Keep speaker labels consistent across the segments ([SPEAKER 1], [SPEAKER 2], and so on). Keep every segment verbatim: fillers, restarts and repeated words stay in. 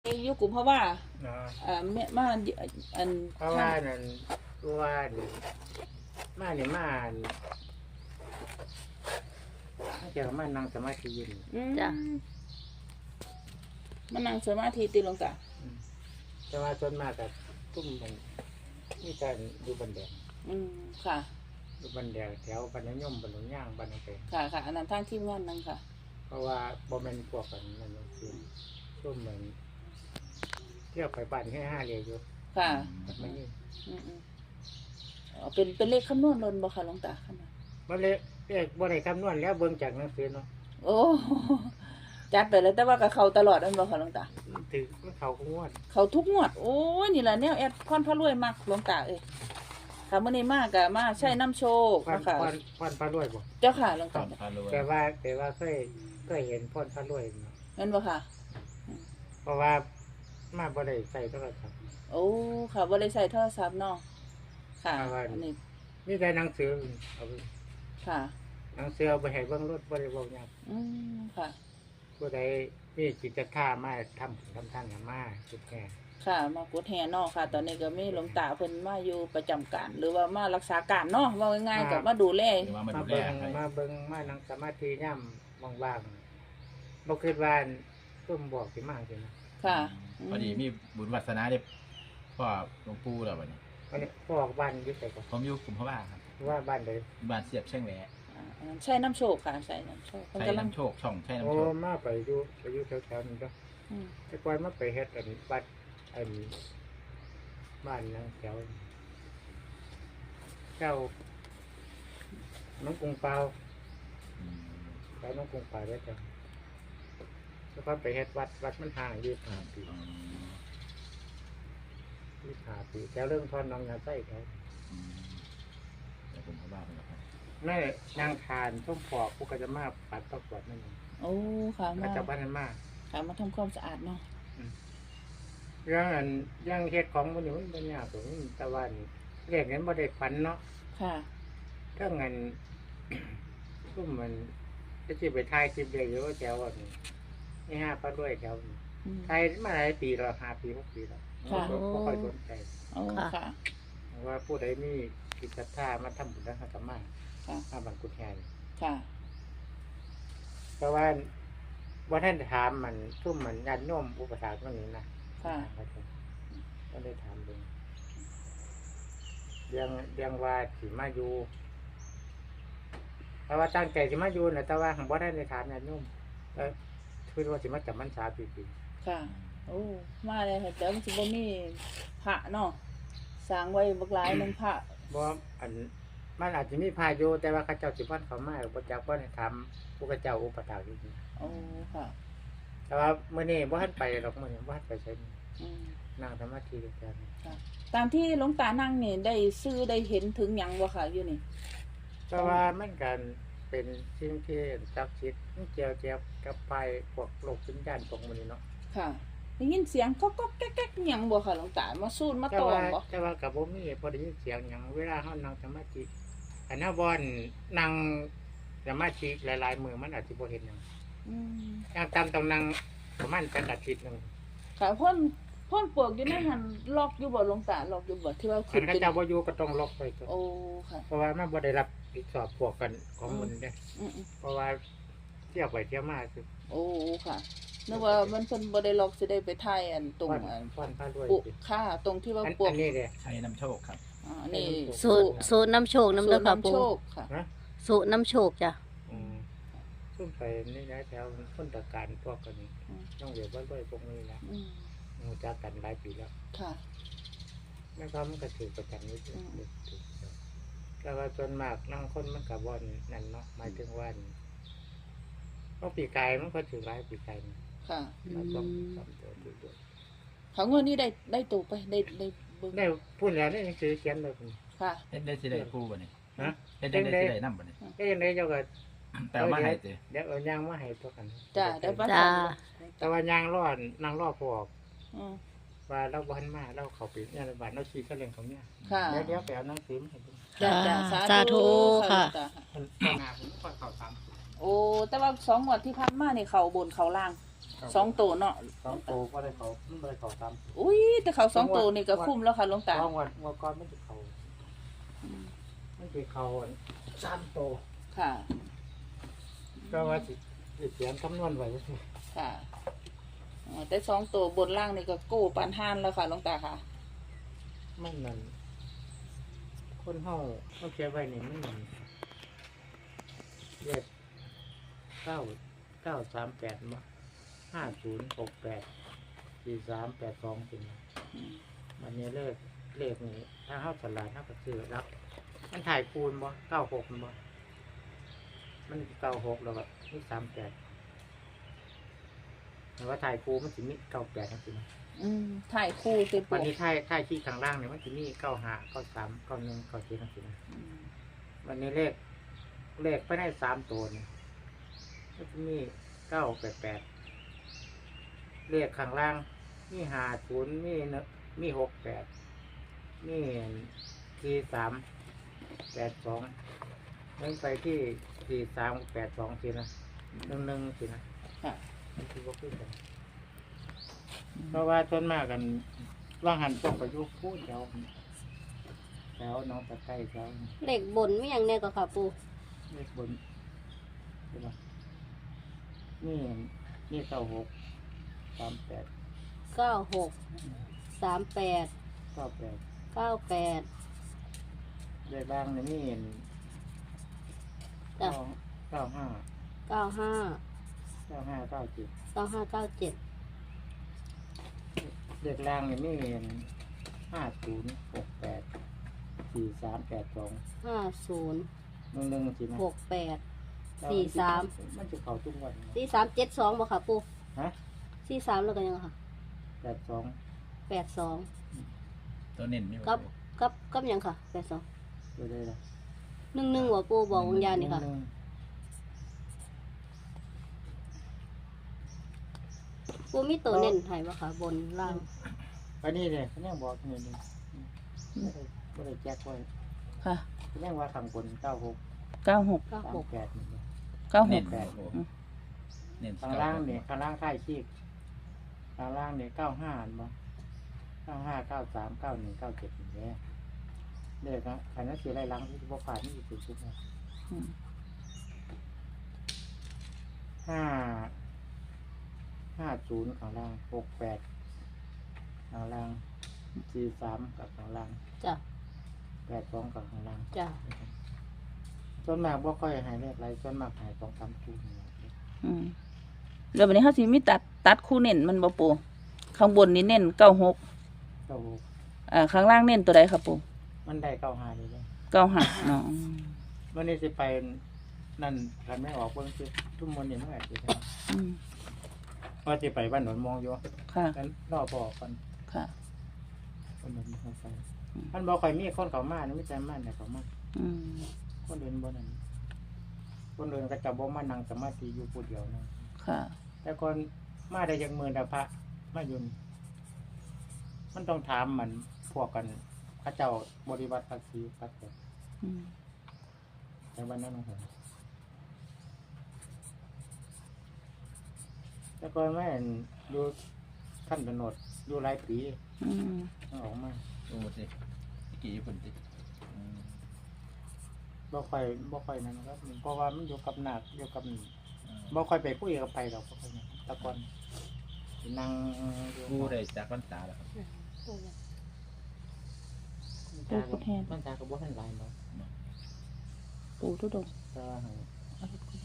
[SPEAKER 1] เองอยู่กลุ่มเพราะว่า
[SPEAKER 2] เนาะ
[SPEAKER 1] อ่าแม่มาอัน
[SPEAKER 2] เพราะว่านั่นว่านี่มาเนี่ยมานี่มาเจอมานั่งสมาธิอยู่นี่
[SPEAKER 1] อืม
[SPEAKER 3] จ้ะ
[SPEAKER 1] มานั่งสมาธิตีหลวงตา
[SPEAKER 2] อืมแต่ว่าส่วนมากกับตุ้มมันมีการดูบันแดง
[SPEAKER 1] อืมค่ะ
[SPEAKER 2] ดูบันแดงแถวบันยมบันหลงย่างบันนังเป
[SPEAKER 1] ค่ะค่ะอันนั้นทางทีมงานนั่งค่ะ
[SPEAKER 2] เพราะว่าบ่แม่นพวกกันมันคือช่วงเหมือนเที่ยวไปบ้านแค่ห้าเรียอยู่
[SPEAKER 1] ค่ะ
[SPEAKER 2] แบบนี้
[SPEAKER 1] อืมอืมอ๋อเป็นเป็นเลขคำนวณลนบ่ค่ะหลวงตาค่ะ
[SPEAKER 2] บ่เลยเรียกบ่ได้คำนวณแล้วเบิ่งจากหนังสือเนาะ
[SPEAKER 1] โอ้จัดไปแล้วแต่ว่ากับเขาตลอดอันบ่ค่ะหลวงตา
[SPEAKER 2] ถือมันเขาก็งวด
[SPEAKER 1] เขาทุกงวด โอ้ยนี่แหละแนวแอดพรพระรวยมากหลวงตาเอ้ยค่ะมื้อนี้มากะมาใช้น้ำโชค
[SPEAKER 2] พร
[SPEAKER 1] นะคะ
[SPEAKER 2] พรพรพระรวยบ่
[SPEAKER 1] เจ้าค่ะหลวง
[SPEAKER 4] ครั
[SPEAKER 1] ตา
[SPEAKER 4] บพารวย
[SPEAKER 2] แต่ว่าแต่ว่าเคยเคยเห็นพรพระรวยเนาะ
[SPEAKER 1] เห็นบ่ค่ะ
[SPEAKER 2] เพราะว่ามาบ่ได้ใส่โทรศัพท์
[SPEAKER 1] โอ้ค่ะบ่ได้ใส่โทรศัพท์เนาะค่ะ
[SPEAKER 2] เอาไว้
[SPEAKER 1] อันนี้
[SPEAKER 2] มีแต่หนังสือเอาไป
[SPEAKER 1] ค่ะ
[SPEAKER 2] หนังสือเอาไปให้เบิ่งรถบ่ได้เว้าหยัง
[SPEAKER 1] อืมค่ะ
[SPEAKER 2] ผู้ใดมีจิตศรัทธามาทำทำทานกันมาสุดแก่
[SPEAKER 1] ค่ะมากดแห่เนาะค่ะ ตอนนี้ก็มีหลวงตาเพิ่นมาอยู่ประจำการ หรือว่ามารักษาการเนาะว่าง่ายๆก็มาดูแล
[SPEAKER 4] หรือว่ามา
[SPEAKER 2] มา
[SPEAKER 4] ดูแล
[SPEAKER 2] เบิ่ง
[SPEAKER 4] ให้
[SPEAKER 2] มาเบิ่งมานั่งสมาธิย่ำว่างๆบ่คิดว่าตุ้มบอกสิมาสินะ
[SPEAKER 1] ค่ะ
[SPEAKER 4] พอดีมีบุญวัฒนาได้พ่อหลวงปู่แล้ววันนี้
[SPEAKER 2] วันนี้พ่อออกบ้านอยู่ไสก่อน
[SPEAKER 4] ผมอยู่กลุ่มพระบ้าครับ
[SPEAKER 2] ว่าบ้านใด
[SPEAKER 4] บ้านเสียบเชียงแหว
[SPEAKER 1] อ่าอันนั้นใช่น้ำโชคค่ะใช่น้ำโชคเพิ่น
[SPEAKER 4] ใช้
[SPEAKER 1] กำลัง
[SPEAKER 4] น้ำโชคช่องใช้
[SPEAKER 2] โอ้
[SPEAKER 4] น้ำโชค
[SPEAKER 2] มาไปอยู่ไปอยู่แถวๆนี้เด้อ
[SPEAKER 1] อืม
[SPEAKER 2] แต่ก่อนมาไปเฮ็ดอันวัดอันบ้านนะแถวเจ้าน้องกรุงเปา
[SPEAKER 4] อืม
[SPEAKER 2] ไปน้องกรุงเปาได้จ้ะแล้วก็ไปเฮ็ดวัดวัดมันห่างยี่สิบห้าปี
[SPEAKER 4] อืม
[SPEAKER 2] ยี่สิบห้าปีแถวเรื่องทอนน้องยาไส้เขา
[SPEAKER 4] อืมแต่กลุ่มพระบ้าเป็นแบบนั้น
[SPEAKER 2] แม่นางทานส้มปอกผู้ก็จะมาปัดประกวดนั่นเอง
[SPEAKER 1] โอ้ค่ะ
[SPEAKER 2] ก็
[SPEAKER 1] มา
[SPEAKER 2] จะบ้านนั้นมา
[SPEAKER 1] ค่ะมาทำความสะอาดเนาะ
[SPEAKER 2] เรื่องอันเรื่องเฮ็ดของมันอยู่มันเป็นยากตรงนี้แต่ว่านี่เรียกนั้นบ่ได้ฝันเนาะ
[SPEAKER 1] ค่ะ
[SPEAKER 2] ถ้าเงิน ซุ่มมันจะสิไปถ่ายคลิปเดียวอยู่ว่าแถวอันนี้นี่ห้าพระด้วยแถวนี้
[SPEAKER 1] อืม
[SPEAKER 2] ถ่ายมาหลายปีแล้วห้าปีหกปีแล้ว
[SPEAKER 1] ค่ะ
[SPEAKER 2] บ่บ่ค่อยสนใจ
[SPEAKER 1] โอ้ค่ะ
[SPEAKER 2] ว่าผู้ใดมีกิจศรัทธามาทำบุญทางธรรมะ
[SPEAKER 1] ค่ะ
[SPEAKER 2] มาบังกุฎแห่นี่
[SPEAKER 1] ค่ะ
[SPEAKER 2] เพราะว่าว่าท่านถามมันซุ่มมันญาติโยมอุปถากมันนี่นะ
[SPEAKER 1] ค่ะ
[SPEAKER 2] ก็ได้ถามดูเรื่องเรื่องว่าสิมาอยู่แต่ว่าตั้งใจสิมาอยู่นะแต่ว่าของบ่ได้ในถามญาติโยมเออคือว่าสิมาจับมันสาปีปี
[SPEAKER 1] ค่ะ โอ้มาเลยค่ะแต่มันสิบ่มีพระเนาะสร้างไว้บักหลายหนึงพระ
[SPEAKER 2] บ่อันมันอาจจะมีพายุแต่ว่าเข้าเจ้าสิพันเขามาบ่จักบ่ได้ถามผู้เขาเจ้าอุปถากอยู่นี่
[SPEAKER 1] โอ้ค่ะ
[SPEAKER 2] แต่ว่ามื้อนี้บ่ทันไปหรอกมื้อนี้บ่ทันไปใช้
[SPEAKER 1] อืม
[SPEAKER 2] นั่งสมาธิด้วยกัน
[SPEAKER 1] ตามที่หลวงตานั่งนี่ได้ซื้อได้เห็นถึงหยังบ่ค่ะอยู่นี่
[SPEAKER 2] แต่ว่ามันกันเป็นสิ่งที่ศักดิ์สิทธิ์มันเกี่ยวเกี่ยวกับไปพวกโลกวิญญาณพวกมื้อนี้เนาะ
[SPEAKER 1] ค่ะได้ยินเสียงก๊อกก๊อกแก๊กแก๊กหยังบ่ค่ะหลวงตามาสูดมา
[SPEAKER 2] แต่
[SPEAKER 1] ตอ
[SPEAKER 2] ว่าม
[SPEAKER 1] บ่
[SPEAKER 2] แต่ว่ากับผมมีพอได้ยินเสียงอย่างเวลาเขานั่งสมาธิอันนั้นบอนนั่งสมาธิหลายๆมือมันอาจจะบ่เห็นอย่าง
[SPEAKER 1] อืม
[SPEAKER 2] อย่างตามต้องนั่งประมาณเป็นอาทิตย์หนึ่ง
[SPEAKER 1] ค่ะพ่นพ่นปลวกอยู่ในหันล็อกอยู่บ่หลวงตาล็อกอยู่บ่ที่ว่า
[SPEAKER 2] อั
[SPEAKER 1] ขึ้
[SPEAKER 2] น
[SPEAKER 1] น
[SPEAKER 2] ข้า
[SPEAKER 1] เป็น
[SPEAKER 2] เจ้าบ่อยู่ก็ต้องล็อกไปก่อน
[SPEAKER 1] โอ้ค่ะ
[SPEAKER 2] เพราะว่ามันบ่ได้รับผิดชอบพวกกันของมันเด้
[SPEAKER 1] อืม
[SPEAKER 2] เพราะว่าเที่ยวไปเที่ยวมาคือ
[SPEAKER 1] ๆโอ้ค่ะนึกว่ามันเพิ่นบ่ได้ล็อกสิได้ไปถ่ายอันตรง
[SPEAKER 2] ฟัน
[SPEAKER 1] อัน
[SPEAKER 2] ฟันพาด้วย
[SPEAKER 1] ปุ
[SPEAKER 2] สิ
[SPEAKER 1] ค่าตรงที่ว่า
[SPEAKER 2] อัน
[SPEAKER 1] ปลว
[SPEAKER 2] อั
[SPEAKER 1] ก
[SPEAKER 2] นนี้เด้
[SPEAKER 4] ใช้น้ำโชคครับ
[SPEAKER 1] อ่านี่
[SPEAKER 3] สูตรสูตรน้ำโชคน้ำเด้อค่ะ
[SPEAKER 1] สูตร
[SPEAKER 3] ปู
[SPEAKER 1] น้ำโชคค่ะ
[SPEAKER 2] นะ
[SPEAKER 3] สูตรน้ำโชคจ้ะ
[SPEAKER 2] อืมซุ่มไปนี่นะแถวพ้นตะการพวกกันต้องเรียกว่าด้วยพวกนี้นะ
[SPEAKER 1] อืม
[SPEAKER 2] รู้จักกันหลายปีแล้ว
[SPEAKER 1] ค่ะ
[SPEAKER 2] แม่ก็มันก็ถือประจำนี้ถือ
[SPEAKER 1] อืม
[SPEAKER 2] ถือแต่ว่าส่วนมากนั่งคนมันกับบอนนั่นเนาะหมายถึงว่าเพราะปีกายมันก็ถือร้ายปีกายนี่
[SPEAKER 1] ค่ะ
[SPEAKER 2] มาต้องทำตัวถือตัว
[SPEAKER 1] เขางวดนี้ได้ได้ตัวไปได้ได้เบิ่ง
[SPEAKER 2] ได้พูดแล้วนี่ซื้อเขียนเลย
[SPEAKER 1] ค่ะ
[SPEAKER 4] เฮ็ดได้สิได้คู่บ่นี่
[SPEAKER 2] ฮะ
[SPEAKER 4] เฮ็ดได้ได้สิได้นำบ่นี่
[SPEAKER 2] ก็ยังได้เจ้าก็
[SPEAKER 4] แต่ว่ามาให้ติ
[SPEAKER 2] เดี๋ยวเอายางมาให้ตัวกัน
[SPEAKER 1] จ้าได้ปะ
[SPEAKER 3] จ้า
[SPEAKER 2] แต่ว่ายางรอดนางรอดพอ
[SPEAKER 1] อืม
[SPEAKER 2] ว่าเราบ้านมาเราเขาปิดเนี่ยบ้านเราชี้ก็เรื่องของเนี่ย
[SPEAKER 1] ค่ะ
[SPEAKER 2] เดี๋ยวเดี๋ยวไปเอาหนังสือมาให้ดู
[SPEAKER 1] จ้าจ้า
[SPEAKER 3] สาธุค่ะ
[SPEAKER 1] จ้า
[SPEAKER 2] มันหน้าผมก็เข้าตาม
[SPEAKER 1] โอ้แต่ว่าสองงวดที่ผ่านมานี่เขาบนเขาล่างสองตัวเนาะ
[SPEAKER 2] สองตัวก็ได้เขามันบ่ได้เขาตาม
[SPEAKER 1] อุ้ยแต่เขาสองตัวนี่ก็คุ้มแล้วค่ะหลวงตา
[SPEAKER 2] สองวันงวดก่อนมันจะเขามันจะเขาสามตัว
[SPEAKER 1] ค่ะ
[SPEAKER 2] ก็ว่าสิสิเขียนคำนวณไว้สิ
[SPEAKER 1] ค่ะอ๋อแต่สองตัวบนล่างนี่ก็กู้ปานห้านแล้วค่ะหลวงตาค่ะ
[SPEAKER 2] มันนั่นคนเฮาต้องเขียนไว้นี่มันนั่นเลขเก้าเก้าสามแปดมาห้าศูนย์หกแปดสี่สามแปดสองเป็นมันนี้เลขเลขนี้ถ้าเฮาสลาดเฮาก็ซื้อรับมันถ่ายคูณบ่เก้าหกบ่มันเก้าหกแล้วก็มีสามแปดแต่ว่าถ่ายคูณมันสิมีเก้าแปดจังซี่นะ
[SPEAKER 1] อืมถ่ายคู่ติ
[SPEAKER 2] วัน
[SPEAKER 1] ปู
[SPEAKER 2] นี้ถ่ายถ่ายที่ข้างล่างเนี่ยมันสิมีเก้าห้าเก้าสามเก้าหนึ่งเก้าเจ็ดจังซี่นะ
[SPEAKER 1] อืม
[SPEAKER 2] วันนี้เลขเลขไปได้สามตัวเนี่ยก็จะมีเก้าแปดแปดเลขข้างล่างมีห้าศูนย์มีเนอะมีหกแปดมีสี่สามแปดสองเล่นไปที่สี่สามแปดสองสินะหนึ่งหนึ่งสินะ
[SPEAKER 1] ค่ะ
[SPEAKER 2] มันคือว่าขึ้นกันเพราะว่าต้นมากกันว่างหันตกประยุกต์พูดแถวแถวน้องตะไคร้แถว
[SPEAKER 3] เลขบนมีหยังแน่ก็ค่ะปู
[SPEAKER 2] เลขบนใช่ปะนี่นี่เก้าหกสามแปด
[SPEAKER 3] เก้าหกสามแปด
[SPEAKER 2] เก้าแปด
[SPEAKER 3] เก้าแปด
[SPEAKER 2] เลขล่างนี่นี่
[SPEAKER 3] จ้ะ
[SPEAKER 2] เก้าเก้าห้า
[SPEAKER 3] เก้าห้า
[SPEAKER 2] เก้าห้าเก้าเจ็ด
[SPEAKER 3] เก้าห้าเก้าเจ็ด
[SPEAKER 2] เลขล่างนี่นี่ห้าศูนย์หกแปดสี่สามแปดสอง
[SPEAKER 3] ห้าศูนย์
[SPEAKER 2] หนึ่งหนึ่งสินะ
[SPEAKER 3] หกแปด สี่สาม
[SPEAKER 2] มันจะเข่าทุกวัน
[SPEAKER 3] สี่สามเจ็ดสองบ่ค่ะปู
[SPEAKER 2] ฮะ
[SPEAKER 3] สี่สามแล้วก็ยังค่ะ
[SPEAKER 2] แปดสอง
[SPEAKER 3] แปดสอง
[SPEAKER 4] ตัวเน้นมี
[SPEAKER 3] กับกับกับหยังค่ะแปดสอง
[SPEAKER 2] ดูได้ละ
[SPEAKER 3] หนึ่งหนึ่งหัวปูบอกวงยานนี่ค่ะ
[SPEAKER 2] หง
[SPEAKER 3] ปูมีตัวเน้นให้บ่ค่ะ บนล่าง
[SPEAKER 2] ไปนี่เลยเขาเนี่ยบอกนี่นี่ไม่ได้ไม่ได้แจ็คไว้
[SPEAKER 1] ค่ะ
[SPEAKER 2] เขาเนี่ยว่าทำบนเก้าหก
[SPEAKER 1] เก้าหก
[SPEAKER 3] เก้า
[SPEAKER 2] สาม
[SPEAKER 3] หก
[SPEAKER 2] แปดนี่เลย
[SPEAKER 1] เก้าห
[SPEAKER 4] เน้
[SPEAKER 1] ก
[SPEAKER 4] น
[SPEAKER 2] แปด
[SPEAKER 4] โอ้โหเน้น
[SPEAKER 2] ข้างล่างเนี่ยข้างล่างค่ายชีพข้างล่างเนี่ยเก้าห้าบ่เก้าห้าเก้าสามเก้าหนึ่งเก้าเจ็ดอย่างเงี้ยเด็กนะขันนั้นเสียไรล้างที่บกผ่านนี่สุดสุดนะ
[SPEAKER 1] อืม
[SPEAKER 2] ห้าห้าศูนย์ข้างล่างหกแปดข้างล่างสี่สามกับข้างล่าง
[SPEAKER 3] จ้ะ
[SPEAKER 2] แปดสองกับข้างล่าง
[SPEAKER 3] จ้ะ
[SPEAKER 2] ส่วนมากบ่ค่อยหายเลขไรส่วนมากหายสองสามคู่นี่แหละ
[SPEAKER 1] อืมแล้ววันนี้เขาสิมีตัดตัดคู่เน้นมันบ่ปูข้างบนนี่เน้นเก้าหก
[SPEAKER 2] เก้าหก
[SPEAKER 1] อ่าข้างล่างเน้นตัวใดครับปู
[SPEAKER 2] มันได้เก้าห้าเลยเลย
[SPEAKER 1] เก้าห้าเนาะ
[SPEAKER 2] วันนี้สิไปนั่นกันไม่ออกเบิ่งสิทุ่มมนนี่เมื่อไหร่สิ
[SPEAKER 1] อืม
[SPEAKER 2] ว่าสิไปบ้านหนอนมองอยู่
[SPEAKER 1] ค่ะ
[SPEAKER 2] กันรอพอกัน
[SPEAKER 1] ค่ะ
[SPEAKER 2] คนเดินเข้าไปมันบอกใครมีคนเขามานี่ไม่ใจมันแต่เขามา
[SPEAKER 1] อืม
[SPEAKER 2] คนเดินบ่นั่นคนเดินก็จะบ่มานั่งสมาธิอยู่ผู้เดียวนะ
[SPEAKER 1] ค่ะ
[SPEAKER 2] แต่ก่อนมาได้ยังมือดาพระมาอยู่นี่มันต้องถามมันพวกกันพระเจ้าบริวัติภาษีครับผม
[SPEAKER 1] อืม
[SPEAKER 2] ในวันนั้นของผมแต่ก่อนแม่นอยู่ขั้นกำหนดอยู่หลายปี
[SPEAKER 1] อืม
[SPEAKER 2] มันออกมา
[SPEAKER 4] โอ้สิกี่ญี่ปุ่นติอืม
[SPEAKER 2] บ่ค่อยบ่ค่อยนั่นครับเพราะว่ามันอยู่กับหนักอยู่กับ
[SPEAKER 4] อืม
[SPEAKER 2] บ่ค่อยไปคุยกับไปดอกบ่ค่อยนั่นแตะก่อนสินั่งอยู่
[SPEAKER 4] ผู้ได้จากพรรษาแล้วครับ
[SPEAKER 2] มันจากกับมันจากกับบ่ทันหลายเนาะ
[SPEAKER 1] ปูทุดง
[SPEAKER 2] แต่ว่าหั่น
[SPEAKER 1] เอารถกูได้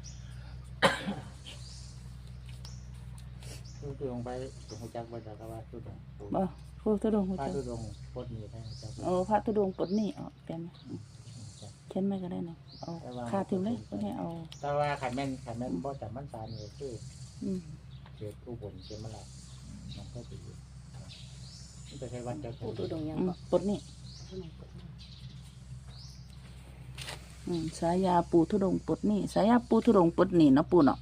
[SPEAKER 2] คือคือลงไปตรงจักบ่จักก็ว่าคือตรง
[SPEAKER 1] บ่ปูทุดงหัว
[SPEAKER 2] พา
[SPEAKER 1] ใจ
[SPEAKER 2] คือตรงปลดหนี้ได้จัก
[SPEAKER 1] โอ้พระทุดงปลดหนี่ออกแกนเช่นไม่ก็ได้เนาะเอาคาถึงเลยก็ให้เอา
[SPEAKER 2] แต่ว่าขันแม่นขันแม่นบ่จำมันสานี่คือ
[SPEAKER 1] อืม
[SPEAKER 2] เขตอุบลเขตมะละมันก็สิอยู่มันจะใช้วันเดียวกั
[SPEAKER 3] ปูตัวน ดงยัง
[SPEAKER 1] อืม
[SPEAKER 3] บ่
[SPEAKER 1] ปลดหนี่อืมสายาปูทุดงปลดหนี่สายาปูทุดงปลดหนี่เนาะปูเนาะ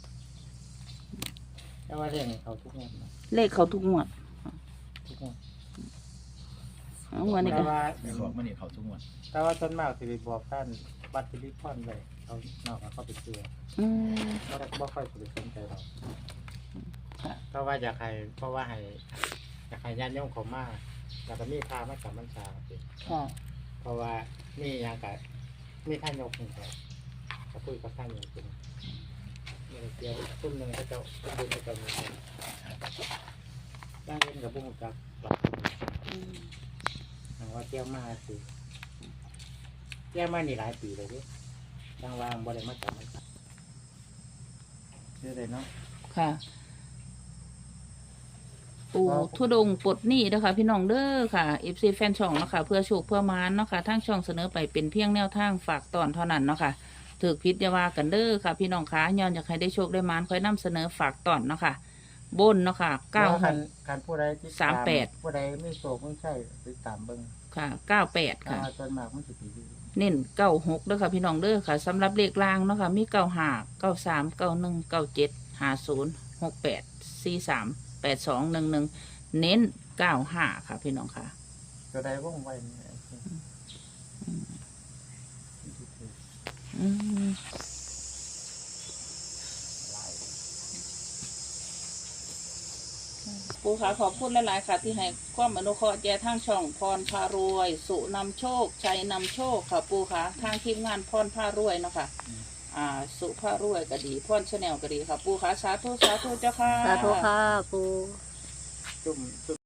[SPEAKER 2] แต่ว่าเรื่องเขาทุกงวดนะ
[SPEAKER 1] เลขเขาทุกงวด
[SPEAKER 2] ทุกงวด
[SPEAKER 1] เอางวดนี้
[SPEAKER 2] แต่
[SPEAKER 1] ก็
[SPEAKER 2] ว่า
[SPEAKER 4] เดี๋ยวบอกมันนี่เขาทุกงวัน
[SPEAKER 2] แต่ว่าส่วนมากสิไปบอกท่านบัตรสิริพรไว้เขานอกเขาไปเชื่อ
[SPEAKER 1] อืม
[SPEAKER 2] บ่ได้บ่ค่อยสิไปสนใจเรา
[SPEAKER 1] อค่ะ
[SPEAKER 2] เพราะว่าอยากให้เพราะว่าให้อยากให้ญาติโยมเขามาแล้วก็มีพามาจำพรรษาสิ
[SPEAKER 1] ค่ะ
[SPEAKER 2] เพราะว่ามีอย่างกับมีท่านยกหนึ่งเขาจะคุยกับท่านอยู่จริงเมื่อเดียวตุ้มหนึ่งเขาจะตุ้มบุญเขาจะมีได้เล่นกับบุ้งกับหลักว่าเที่ยวมาสิเที่ยวมานี่หลายปีเลยดิทางวางบริมาจำพรรษาเรื่อยๆเนาะ
[SPEAKER 1] ค่ะ ปูทุดงค์ปลดหนี้เด้อค่ะพี่น้องเด้อค่ะ เอฟ ซี แฟนช่องเนาะค่ะเพื่อโชคเพื่อมานเนาะค่ะทางช่องเสนอไปเป็นเพียงแนวทางฝากตอนเท่านั้นเนาะค่ะถือพิษอยาว่ากันเด้อค่ะ พี่น้องคะย้อนอยากให้ได้โชคได้มานค่อยนำเสนอฝากตอนเนาะค่ะบนเนาะค่ะเก้าห
[SPEAKER 2] การ
[SPEAKER 1] ก
[SPEAKER 2] การผู้ใดที่
[SPEAKER 1] สามแปด
[SPEAKER 2] ผู้ใดไม่โศกไม่ใช่ติดตามเบิ้ง
[SPEAKER 1] ค่ะเก้าแปด
[SPEAKER 2] ค่ะ
[SPEAKER 1] ค่ะ
[SPEAKER 2] จนมากมันสิปีดี
[SPEAKER 1] เน้นเก้าหกเด้อค่ะพี่น้องเด้อค่ะสำหรับเลขล่างเนาะค่ะมีเก้าห้าเก้าสามเก้าหนึ่งเก้าเจ็ดห้าศูนย์หกแปดสี่สามแปดสองหนึ่งหนึ่งเน้นเก้าห้าค่ะพี่น้องค่ะ
[SPEAKER 2] จะได้ว่องไวนี่
[SPEAKER 1] อืมปูค่ะขอบคุณหลายๆค่ะ ที่ให้ความอนุเคราะห์แก่ทางช่องพรพารวย สุนำโชคชัยนำโชคค่ะปูค่ะทางทีมงานพรพารวยเนาะค่ะอ่า สุพารวยก็ดีพรชาแนลก็ดีค่ะ ปูค่ะสาธุสาธุเจ้าค่ะ
[SPEAKER 3] สาธุค่ะปู
[SPEAKER 2] จุ่มจุ่ม